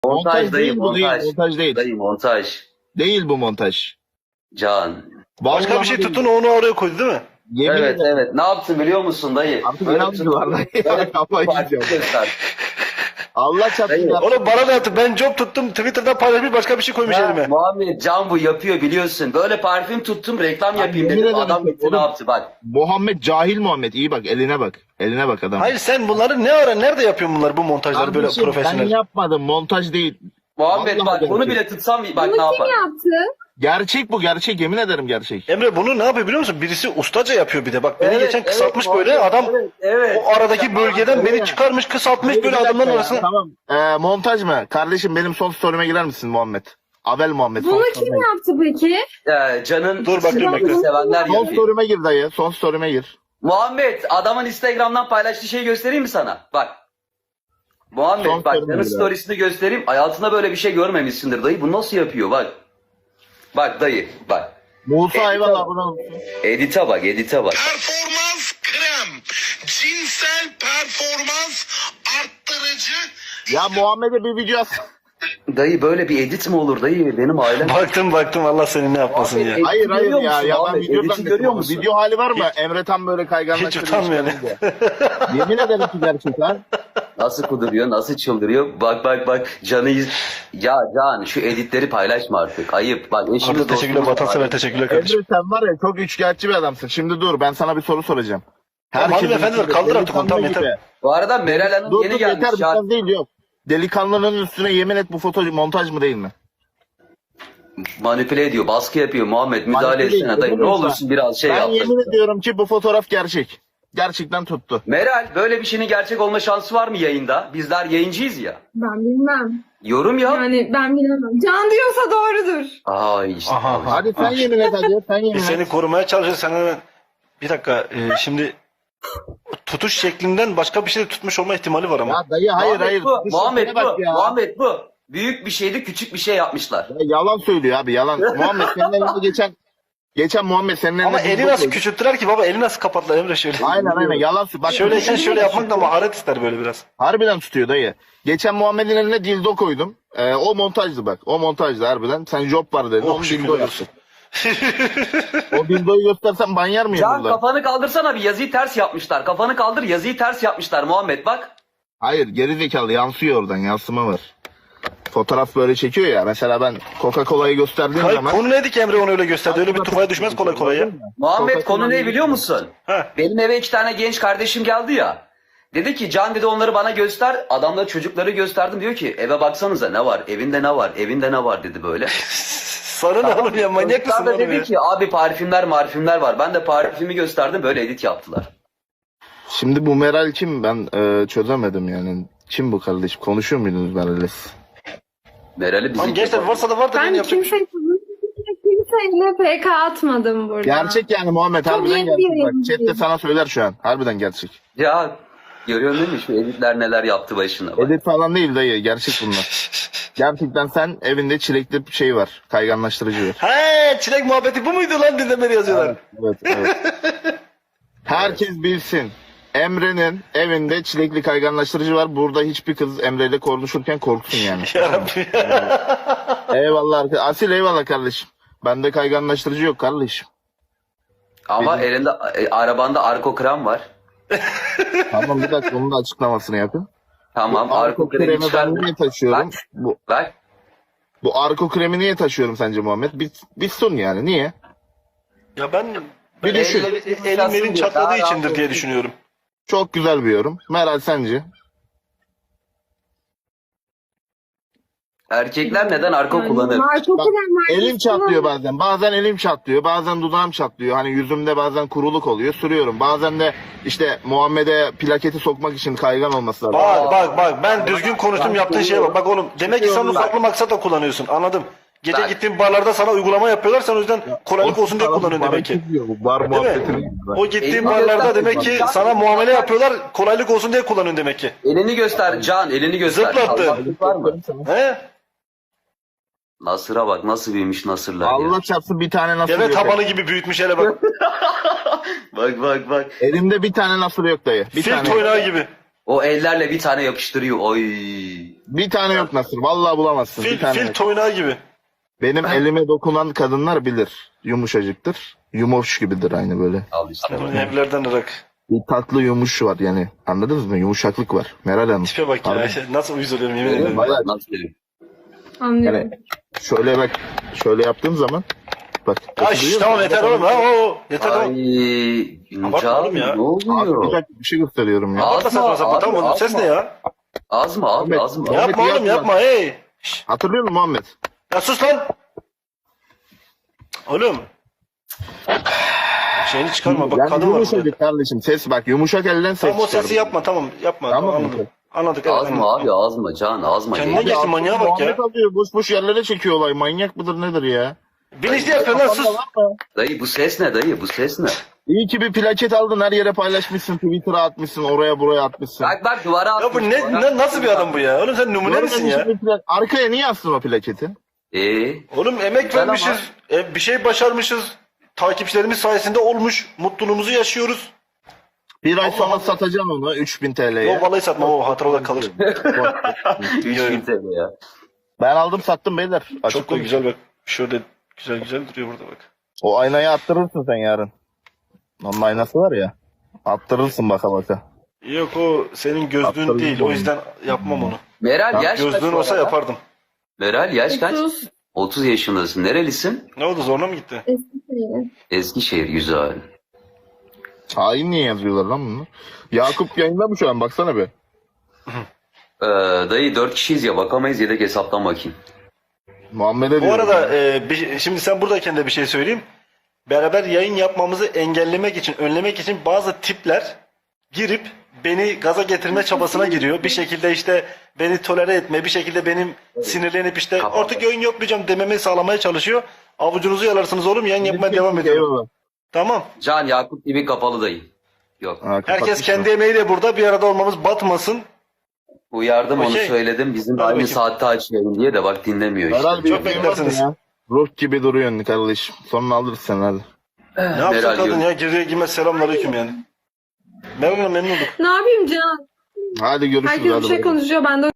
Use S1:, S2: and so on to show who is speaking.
S1: Montaj dayı,
S2: değil bu, değil.
S1: montaj.
S2: Montaj değil.
S1: Dayı montaj.
S2: Değil bu montaj.
S1: Can.
S3: Başka bir şey
S2: Vallahi
S3: tuttun onu oraya koydu değil mi?
S2: Yemin
S1: Evet
S2: ederim.
S1: evet. Ne yaptın biliyor musun dayı?
S2: Artık
S1: Böyle
S2: inanmıyorlar dayı.
S1: böyle
S2: Kafayı
S1: parti
S2: yiyeceğim.
S1: göster.
S2: Allah çarpsın.
S1: Dayı,
S2: ya.
S3: Oğlum bana da attı. Ben job tuttum. Twitter'dan paylaşmış başka bir şey koymuş
S1: Ya,
S3: elime.
S1: Muhammed Can bu yapıyor biliyorsun. Böyle parfüm tuttum reklam yapayım
S2: yemin
S1: dedim.
S2: ederim
S1: Adam
S2: ki,
S1: gitti ne
S2: oğlum.
S1: yaptı bak.
S2: Muhammed cahil Muhammed. İyi bak eline bak. Eline bak adam.
S3: Hayır sen bunları ne ara nerede yapıyorsun bunları bu montajları böyle
S2: Kardeşim,
S3: profesyonel?
S2: ben yapmadım. Montaj değil.
S1: Muhammed
S2: Vallahi
S1: bak bunu
S2: gerçek.
S1: bile tutsam bak
S4: Bunu
S1: ne yapar.
S4: kim yaptı?
S2: Gerçek bu gerçek. Yemin ederim gerçek.
S3: Emre bunu ne yapıyor biliyor musun? Birisi ustaca yapıyor bir de. Bak beni
S1: Evet,
S3: geçen kısaltmış
S1: evet,
S3: böyle
S1: Muhammed,
S3: adam
S1: evet, evet.
S3: o aradaki bölgeden
S2: Evet.
S3: beni çıkarmış kısaltmış
S2: Hayır,
S3: böyle
S2: bir dakika
S3: adamların
S2: ya,
S3: arasına.
S2: Tamam. Montaj mı? Kardeşim benim son story'ime girer misin Muhammed? Abel Muhammed.
S4: Bunu kim yaptı peki?
S1: Can'ın
S3: Dur bakayım, bekle.
S1: sevenler
S2: Son
S1: yapıyor.
S2: story'ime gir dayı. Son story'ime gir.
S1: Muhammed adamın Instagram'dan paylaştığı şeyi göstereyim mi sana? Bak. Muhammed
S2: Son
S1: bak
S2: sorun
S1: Can'ın
S2: bir daha.
S1: storiesini göstereyim. Hayatında böyle bir şey görmemişsindir dayı. Bu nasıl yapıyor bak. Bak dayı bak.
S2: Musa eyvallah abone olsun.
S1: Edit'e bak edit'e bak.
S5: Performans krem. Cinsel performans arttırıcı.
S2: Ya Muhammed'e bir video at.
S1: Dayı böyle bir edit mi olur dayı? Benim ailem...
S3: Baktım Allah seni ne yapmasın ya.
S1: Edit'i
S2: Hayır
S1: görüyor
S2: ya.
S1: musun
S2: Ya ben
S1: Muhammed?
S2: video
S1: Edit'i
S2: zannettim
S1: görüyor
S2: onu.
S1: musun?
S2: Video hali var mı? Emre tam böyle kayganlaştırıyor.
S3: Hiç utanmıyor ne?
S2: Yemin ederim ki gerçek lan.
S1: Nasıl kuduruyor, nasıl çıldırıyor? Bak Can'ı Ya Can şu editleri paylaşma artık. Ayıp. Bak eşimiz
S3: Arda teşekkürler,
S1: dostumuz
S3: vatansever
S1: var.
S3: teşekkürler kardeşim.
S2: Emre sen var ya çok üçkağıtçı bir adamsın. Şimdi dur ben sana bir soru soracağım.
S3: Tamam,
S2: Herkesin
S3: hanımefendiler,
S2: içinde
S3: kaldır artık onu, tamam,
S2: delikanlı
S3: yeter.
S2: gibi.
S1: Bu arada Meral Hanım
S2: Dur
S1: yeni
S2: dur
S1: gelmiş.
S2: yeter
S1: Ya.
S2: biraz değil yok. Delikanlının üstüne yemin et bu foto montaj mı değil mi?
S1: Manipüle ediyor, baskı yapıyor Muhammed. Müdahale
S2: Manipüle
S1: etsene
S2: ediyor,
S1: dayı. Ne
S2: değil mi
S1: olursun biraz şey
S2: Ben
S1: yap.
S2: yemin ediyorum ki bu fotoğraf gerçek. Gerçekten tuttu.
S1: Meral böyle bir şeyin gerçek olma şansı var mı yayında? Bizler yayıncıyız ya.
S4: Ben bilmem.
S1: Yorum yap.
S4: Yani ben bilemem. Can diyorsa doğrudur.
S1: Ay işte.
S3: Aha.
S2: Hadi sen yemin et hadi. Sen yemin
S3: Biz
S2: et.
S3: seni korumaya çalışıyoruz. Sen hemen... Bir dakika şimdi tutuş şeklinden başka bir şey de tutmuş olma ihtimali var ama.
S2: Ya dayı hayır
S1: Muhammed
S2: hayır.
S1: bu.
S2: Şu
S1: Muhammed
S2: şekline bak
S1: bu.
S2: ya.
S1: Muhammed bu. Büyük bir şeydi, küçük bir şey yapmışlar.
S2: Ya yalan söylüyor abi yalan. Muhammed senin elinde geçen Muhammed senin elinde
S3: Ama
S2: bir
S3: eli
S2: bok
S3: nasıl
S2: oldu.
S3: küçülttüler ki baba, eli nasıl kapattılar Emre şöyle.
S2: Aynen yalan söylüyor. Bak
S3: Şöyleyken şöyle yapmak da maharet ister böyle biraz.
S2: harbiden tutuyor dayı. Geçen Muhammed'in eline dildo koydum. O montajdı bak. O montajdı harbiden. Sen job var dedin.
S3: Oh,
S2: Onu
S3: şükür
S2: dildo
S3: olsun.
S2: O dildoyu göstersen banyer mıyım
S1: Can
S2: burada?
S1: kafanı kaldırsana bir yazıyı ters yapmışlar. Kafanı kaldır yazıyı ters yapmışlar Muhammed bak.
S2: Hayır geri zekalı yansıyor oradan yansıma var. Fotoğraf böyle çekiyor ya. Mesela ben Coca-Cola'yı gösterdiğim
S3: Hayır,
S2: zaman.
S3: konu neydi ki Emre onu öyle gösterdi? Öyle bir tufaya düşmez kolay kolay ya.
S1: Muhammed
S2: Coca-Cola'yı-
S1: konu ne biliyor musun?
S3: Heh.
S1: Benim eve 2 tane genç kardeşim geldi ya. Dedi ki Can dedi onları bana göster. Adamlar çocukları gösterdim diyor ki eve baksanıza ne var? Evinde ne var? Evinde ne var dedi böyle.
S3: Sana ne oğlum ya, manyak
S1: Çocuklar
S3: mısın
S1: da
S3: oğlum
S1: dedi
S3: ya?
S1: ki abi parfümler var. Ben de parfümü gösterdim böyle edit yaptılar.
S2: Şimdi bu Meral kim? Ben çözemedim yani. Kim bu kardeşim? Konuşuyor muydunuz Meral'le?
S1: Meral'i bizi...
S3: Lan gençler varsa da var da
S4: Ben
S3: yine yapacak bir şey.
S4: kimseyle PK atmadım burada.
S2: Gerçek yani Muhammed
S4: Çok
S2: harbiden
S4: iyi
S2: gerçek.
S4: bir
S2: Bak
S4: yayıncı.
S2: chat de sana söyler şu an. Harbiden gerçek.
S1: Ya görüyorsun değil mi şu editler neler yaptı başına bak.
S2: Edit falan değil dayı. Gerçek bunlar. Gerçekten sen evinde çilekli bir şey var. Kayganlaştırıcı var.
S3: He, çilek muhabbeti bu muydu lan dinlemeli yazıyorlar.
S2: Evet. Herkes bilsin. Emre'nin evinde çilekli kayganlaştırıcı var. Burada hiçbir kız Emre ile konuşurken korksun yani.
S3: Yarabbim.
S2: Eyvallah Asil eyvallah kardeşim. Bende kayganlaştırıcı yok kardeşim.
S1: Ama elinde arabanda arko krem var.
S2: Tamam bir dakika onun da açıklamasını yapın.
S1: Tamam
S2: Bu
S1: arko kremi
S2: kremi ben
S1: çıkardım.
S2: niye taşıyorum?
S1: Bak. Bak.
S2: Bu arko kremi niye taşıyorum sence Muhammed? Bir sun yani niye?
S3: Ya ben
S2: Bir düşün.
S3: elim elin çatladığı içindir diye düşünüyorum.
S2: Çok güzel bir yorum. Meral sence?
S1: Erkekler neden arko kullanır?
S4: Marco
S2: Bak,
S4: krem
S2: elim çatlıyor bazen. Bazen elim çatlıyor. Bazen dudağım çatlıyor. Hani yüzümde bazen kuruluk oluyor. Sürüyorum. Bazen de işte Muhammed'e plaketi sokmak için kaygan olması lazım.
S3: Bak ben düzgün konuştum yaptığın şeye bak. Bak oğlum demek ki sen onu farklı maksatla kullanıyorsun, anladım. Gece
S1: Bak.
S3: gittiğin barlarda sana uygulama yapıyorlar, sen o yüzden kolaylık olsun diye kullanıyorsun demek ki.
S2: Bar
S3: Değil mi?
S2: muhabbetini.
S3: O gittiğin
S1: Elini
S3: barlarda
S1: göster.
S3: demek ki sana muamele yapıyorlar, kolaylık olsun diye kullanıyorsun demek ki.
S1: Elini göster Can, elini göster.
S3: Zıplattı.
S1: Allah'lık var mı?
S3: He?
S1: Nasır'a bak nasıl büyümüş nasırlar ya.
S2: Allah çarpsın bir tane nasıl
S3: Deve
S2: yok.
S3: tabanı gibi büyütmüş hele bak.
S1: Bak.
S2: Elimde bir tane nasıl yok dayı. Bir
S3: Fil
S2: tane.
S3: toynağı gibi.
S1: O ellerle bir tane yapıştırıyor. Oy.
S2: Bir tane yok Nasır. Vallahi bulamazsın. Bir tane
S3: Fil
S2: yok.
S3: toynağı gibi.
S2: Benim elime dokunan kadınlar bilir. Yumuşacıktır. Yumuş gibidir aynı böyle.
S1: Al işte.
S3: Bunun evlerden ırak.
S2: Bir tatlı yumuş var yani. Anladınız mı? Yumuşaklık var. Meral Hanım.
S3: Tipe bak ya.
S2: Harbi.
S3: Nasıl uyuz oluyorum yemin ederim.
S2: Bayağı-
S1: Nasıl diyeyim?
S4: Anlıyorum.
S2: Yani şöyle bak. Şöyle yaptığım zaman. Bak.
S3: Ay şş, tamam yeter oğlum ha. Yeter
S1: Ay
S3: tamam. Abartma
S1: Can
S3: oğlum ya.
S1: ne oluyor?
S2: Bir dakika bir şey gösteriyorum ya.
S1: Ağzıma,
S3: Saçma sapan tamam oğlum.
S1: ağzıma.
S3: Ses ne ya?
S1: Ağzıma abi
S2: Ahmet,
S1: ağzıma.
S2: ya-
S3: Yapma oğlum yapma hey. Şş,
S2: Hatırlıyor musun Muhammed?
S3: ya sus lan. Oğlum. Şeyini çıkarma bak
S2: Yani
S3: kadın var burada.
S2: yumuşacık kardeşim. Ses bak. Yumuşak elden ses
S3: Tamam o
S2: çıkar.
S3: sesi yapma tamam yapma.
S2: Tamam,
S3: Anladık.
S2: okey.
S3: Anladık evet.
S1: Ağzıma
S3: anladık.
S1: abi ağzıma Can ağzıma.
S3: Kendine
S1: Gel.
S3: gel. Geçti, manyağa bak ya.
S2: Muhammed alıyor. Boş boş yerlere çekiyor olay. Manyak mıdır nedir ya?
S3: Bilinçli yapıyor lan sus.
S1: Dayı bu ses ne dayı bu ses ne?
S2: İyi ki bir plaket aldın. Her yere paylaşmışsın. Twitter'a atmışsın. Oraya buraya atmışsın.
S1: Bak duvara
S3: Ya bu
S1: atmış, duvara.
S3: nasıl bir adam bu ya? Oğlum sen numune misin ya?
S2: Görmemişsin bir plak- Arkaya niye astın o plaketi?
S3: Oğlum emek
S1: Güzel
S3: vermişiz. Bir şey başarmışız. Takipçilerimiz sayesinde olmuş. Mutluluğumuzu yaşıyoruz.
S2: Bir ay sonra satacaksın onu 3000 TL'ye.
S3: Yok vallahi satmam o hatıra olarak kalır.
S1: 3000 TL ya.
S2: Ben aldım sattım beyler. Açık
S3: Çok da
S2: konuş.
S3: güzel bak. Şöyle güzel duruyor burada bak.
S2: O aynayı attırırsın sen yarın. Onun aynası var ya. Attırırsın baka baka.
S3: Yok o senin gözlüğün
S2: Aptal
S3: değil.
S2: gibi
S3: O
S2: olmuş.
S3: yüzden yapmam onu.
S1: Meral yaş kaç?
S3: Gözlüğün
S1: bu
S3: olsa
S1: arada?
S3: yapardım.
S1: Meral yaş kaç?
S4: 30
S1: 30 yaşındasın. Nerelisin?
S3: Ne oldu zoruna mı gitti?
S4: Eskişehir.
S1: Eskişehir güzel.
S2: Hain niye yazıyorlar lan bunu? Yakup yayında mı şu an? Baksana be.
S1: Dayı 4 kişiyiz ya bakamayız yedek hesaptan bakayım.
S2: Muhammed'e
S3: Bu
S2: diyorum.
S3: arada şimdi sen buradayken de bir şey söyleyeyim. Beraber yayın yapmamızı engellemek için, önlemek için bazı tipler girip beni gaza getirme çabasına giriyor. Bir şekilde işte beni tolere etme, bir şekilde benim sinirlenip işte
S1: Kapat.
S3: artık yayın yapmayacağım dememi sağlamaya çalışıyor. Avucunuzu yalarsınız oğlum yayın yapmaya devam ediyorum.
S2: Eyvallah.
S3: Tamam.
S1: Can Yakup gibi kapalı dayı. Yok.
S2: Ha,
S3: Herkes
S2: kapatmış
S3: kendi
S2: mı?
S3: emeğiyle burada bir arada olmamız batmasın.
S1: Uyardım onu
S3: Okey.
S1: söyledim. Bizim
S3: Hadi
S1: aynı
S3: bakayım.
S1: saatte açmayalım diye de bak dinlemiyor işte.
S2: Meral bir
S3: Çok
S2: öpeyim
S3: beklersiniz.
S2: ya. Ruh gibi duruyorsun kardeşim. Sonra alırız sen hadi.
S3: Ne yapsın
S1: Meral
S3: kadın
S1: diyorum.
S3: ya girdiği girmez selamünaleyküm yani. Merhaba memnun olduk.
S4: Ne yapayım Can?
S2: Hadi görüşürüz.
S4: Herkes
S2: hadi
S4: bir şey
S2: bakalım.
S4: konuşuyor. Ben de